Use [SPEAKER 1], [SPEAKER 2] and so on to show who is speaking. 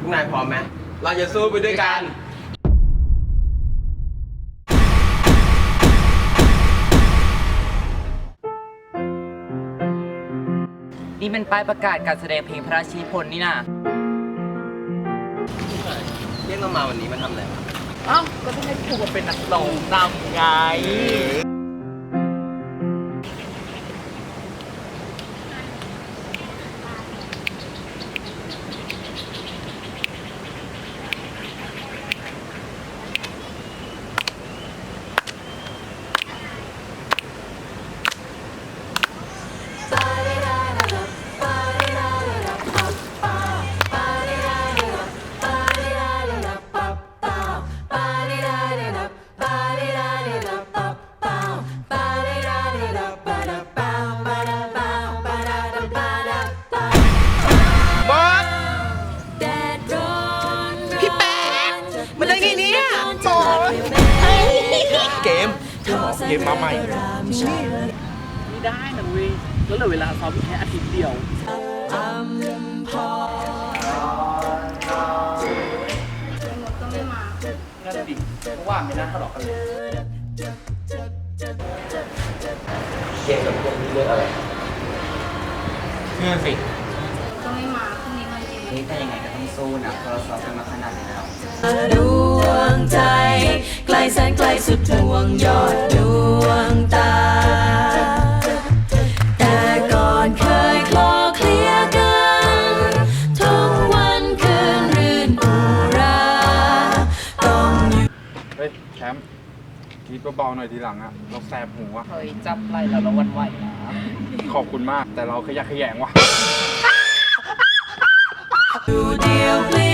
[SPEAKER 1] กนายพร้อมไหมเราจะสู้ไปด้วยกัน
[SPEAKER 2] นี่เป็นป้ายประกาศการแสดงเพลงพระราชนิพนธ์นี่นะ
[SPEAKER 1] เรียกเรามาวันนี้มาทำอะไรวะ
[SPEAKER 2] อ้าวก็ต้องให้ครูมาเป็นนักร้องนำไง
[SPEAKER 1] เกมมาใหม่
[SPEAKER 2] ไม่ได้นะเว้ยแล้วเหลือเวลาซ้อมแค่อาทิตย์เดียวนั่นดิเพราะว่าไม่น่าทะเลาะกันเลย
[SPEAKER 1] เกมกับพวกนี้เรื่องอะไร
[SPEAKER 2] เชื่อสิ
[SPEAKER 3] ก็ไม่มาพรุ่งนี้วันจริง
[SPEAKER 2] นี่แต่ยังไงก็ต้องสู้นะเพราะเราซ้อมกันมาขนาดนี้แล้ว
[SPEAKER 4] ดวงใจไกลแสนไกลสุดดวงยอดดวงตา แต่ก่อนเคยคลอเคลียกันทุกวันคืนรื่นอุราต้องอยู่
[SPEAKER 5] เฮ้ยแชมป์คิดเบาๆหน่อยทีหลังอะเราแสบหูอะ
[SPEAKER 2] เฮ้ยจับไหล่แล้วเราวันไหวนะ
[SPEAKER 5] ขอบคุณมากแต่เราขยะแขยงว่ะ
[SPEAKER 4] อยู่เดียวเปลี่